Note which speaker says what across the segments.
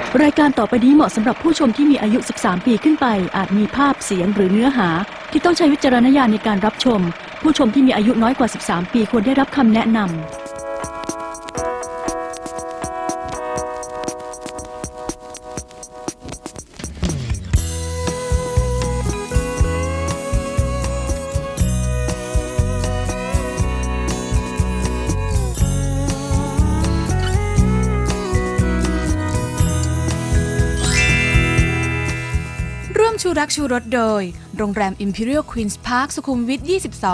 Speaker 1: รายการต่อไปนี้เหมาะสำหรับผู้ชมที่มีอายุ 13 ปีขึ้นไปอาจมีภาพเสียงหรือเนื้อหาที่ต้องใช้วิจารณญาณในการรับชมผู้ชมที่มีอายุน้อยกว่า 13 ปีควรได้รับคำแนะนำ
Speaker 2: ชูรักชูรสโดยโรงแรม Imperial Queen's Park สุขุมวิท 22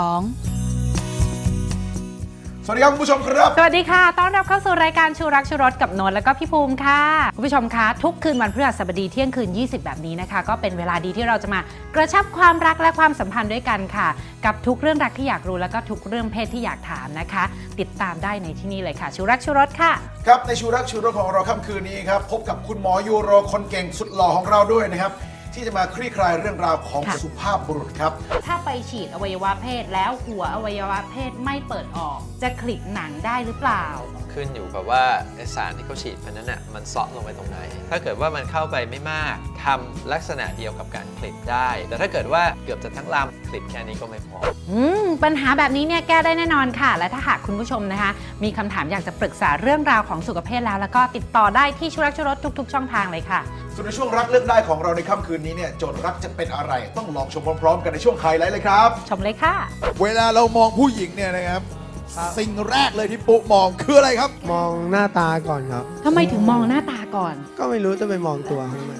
Speaker 3: สวัสดีครับคุณผู้ชมครับ
Speaker 4: สวัสดีค่ะต้อนรับเข้าสู่รายการชูรักชูรสกับนนท์และก็พี่ภูมิค่ะคุณผู้ชมคะทุกคืนวันพฤหัสบดีเที่ยงคืน20แบบนี้นะคะก็เป็นเวลาดีที่เราจะมากระชับความรักและความสัมพันธ์ด้วยกันค่ะกับทุกเรื่องรักที่อยากรู้แล้วก็ทุกเรื่องเพศที่อยากถามนะคะติดตามได้ในที่นี่เลยค่ะชูรักชูรสค่ะ
Speaker 3: ครับในชูรักชูรสของเราค่ำคืนนี้ครับพบกับคุณหมอยูโรคนเก่งสุดหล่อของเราด้วยนะครับที่จะมาคลี่คลายเรื่องราวของสุภาพบุรุษครับ
Speaker 4: ถ้าไปฉีดอวัยวะเพศแล้วหัวอวัยวะเพศไม่เปิดออกจะคลิปหนังได้หรือเปล่า
Speaker 5: ขึ้นอยู่กับว่าสารที่เขาฉีดพันนั้นน่ะมันเซาะลงไปตรงไหนถ้าเกิดว่ามันเข้าไปไม่มากทำลักษณะเดียวกับการคลิปได้แต่ถ้าเกิดว่าเกือบจะทั้งลำคลิปแค่นี้ก็ไม่พอ
Speaker 4: ปัญหาแบบนี้เนี่ยแก้ได้แน่นอนค่ะและถ้าหากคุณผู้ชมนะคะมีคำถามอยากจะปรึกษาเรื่องราวของสุขภาพแล้วก็ติดต่อได้ที่ชูรักชูรสทุกๆช่องทางเลยค่ะ
Speaker 3: ส่วนในช่วงรักเลือกได้ของเราในค่ำคืนนี้เนี่ยโจทย์รักจะเป็นอะไรต้องลองชมพร้อมๆกันในช่วงไฮไลท์เลยครับ
Speaker 4: ชมเลยค่ะ
Speaker 3: เวลาเรามองผู้หญิงเนี่ยนะครับสิ่งแรกเลยที่ปุ๊มองคืออะไรครับ
Speaker 6: มองหน้าตาก่อนครับ
Speaker 4: ทำไมถึงมองหน้าตาก่อน
Speaker 6: ก็ไม่รู้จะไปมองตัวทำไม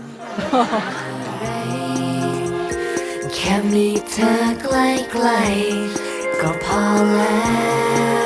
Speaker 7: แค่มีเธอใกล้ๆก็พอแล้ว